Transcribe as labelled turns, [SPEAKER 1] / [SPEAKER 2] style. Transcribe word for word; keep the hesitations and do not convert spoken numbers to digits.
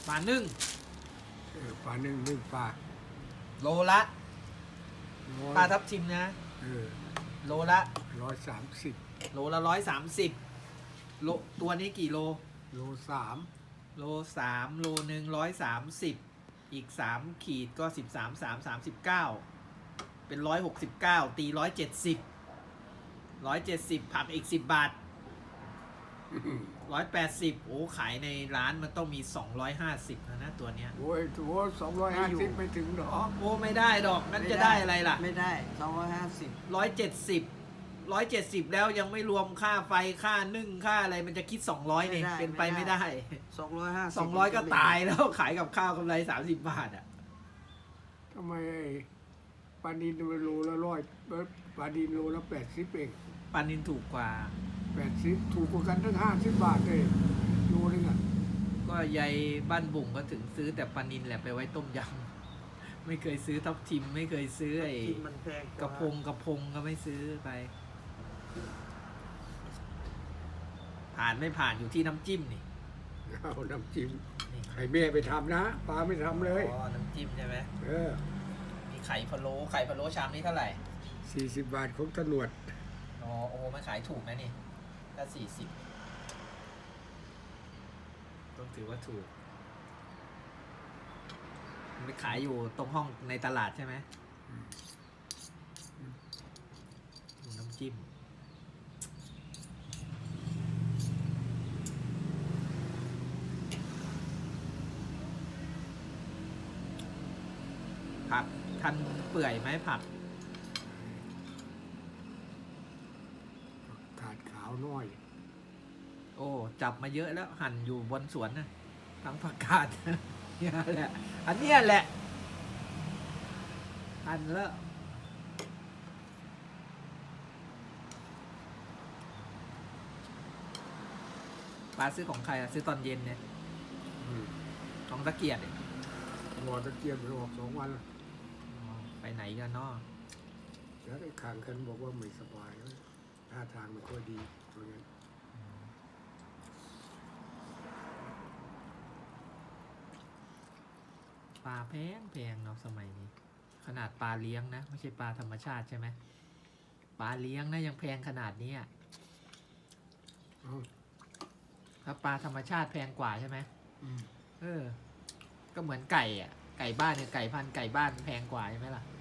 [SPEAKER 1] ปลานึ่ง
[SPEAKER 2] เออปลาหนึ่งนึ่งปลา
[SPEAKER 1] โลละปลาทับทิมนะ
[SPEAKER 2] เออ
[SPEAKER 1] โลละ
[SPEAKER 2] ร้อยสามสิบ
[SPEAKER 1] โลละร้อยสามสิบโลตัวนี้กี่โล
[SPEAKER 2] โลสาม
[SPEAKER 1] โลสามโลหนึ่งร้อยสามสิบอีกสามขีดก็สิบสามสามสามสิบเก้าเป็นร้อยหกสิบเก้าตีร้อยเจ็ดสิบร้อยเจ็ดสิบผักอีกสิบบาทร้อยแปดสิบโอ้ขายในร้านมันต้องมีสองร้อยห้าสิบนะนะตัวเนี้ย
[SPEAKER 2] โอ้ยโอ้สองร้อยห้าสิบไม่ถึงหรอก
[SPEAKER 1] โอ้ไม่ได้ดอกงั้นจะได้อะไรล่ะ
[SPEAKER 3] ไม่ได้สองร้อยห้าสิบ
[SPEAKER 1] ร้อยเจ็ดสิบร้อยเจ็ดสิบแล้วยังไม่รวมค่าไฟค่านึ่งค่าอะไรมันจะคิดสองร้อยเนี่ยเป็นไปไม่ได้
[SPEAKER 3] สองร้อยห้าสิบ
[SPEAKER 1] สองร้อยก็ตายแล้วขายกับข้าวกำไรสามสิบบาทอ่ะ
[SPEAKER 2] ทำไมปลาดินโลละร้อยปลาดินโลละแปดสิบเอง
[SPEAKER 1] ปลานินถูกกว่า
[SPEAKER 2] แปดสิบถูกกว่ากันทั้งห้าสิบบาทเลยโลนึงอ่ะ
[SPEAKER 1] ก็ยายบ้านบุ่งก็ถึงซื้อแต่ปลานินแหละไปไว้ต้มยำไม่เคยซื้อทับทิมไม่เคยซื้อไอ้กระพงกระพงก็ไม่ซื้อไปผ่านไม่ผ่านอยู่ที่น้ำจิ้มนี่
[SPEAKER 2] เอาน้ำจิ้มให้แม่ไปทำนะปลาไม่ทำเลย
[SPEAKER 1] อ๋อน้ำจิ้มใช่ไหม
[SPEAKER 2] เออ
[SPEAKER 1] มีไข่พะโล้ไข่พะโล้ชามนี้เท่าไหร่
[SPEAKER 2] สี่สิบบาทของตำรวจ
[SPEAKER 1] อ๋อโอ้มันขายถูกนะนี่ถ้าสี่สิบต้องถือว่าถูกมันไปขายอยู่ตรงห้องในตลาดใช่ไหมดูน้ำจิ้มผักทันเปื่อยไหมผัก
[SPEAKER 2] ขาดขาวน้อย
[SPEAKER 1] โอ้จับมาเยอะแล้วหั่นอยู่บนสวนนะทั้งผักกาดเนี่ยแหละอันเนี้ยแหละหั่นแล้วปลาซื้อของใครอะซื้อตอนเย็นเนี่ยของตะเกียบเนี่ย
[SPEAKER 2] รอตะเกียบไปออกสองวันแล้ว
[SPEAKER 1] ไปไหนกันเนาะ
[SPEAKER 2] แล้วไอ้ข้างกันบอกว่าไม่สบายท่าทางไม่ค่อยดีตัวนี้
[SPEAKER 1] ปลาแพงแพงเนาะสมัยนี้ขนาดปลาเลี้ยงนะไม่ใช่ปลาธรรมชาติใช่ไหมปลาเลี้ยงนะยังแพงขนาดนี้ถ้าปลาธรรมชาติแพงกว่าใช่ไหมเออก็เหมือนไก่อ่ะไก่บ้านเนี่ยไก่พันไก่บ้านแพงกว่าใช่ไหมล่ะ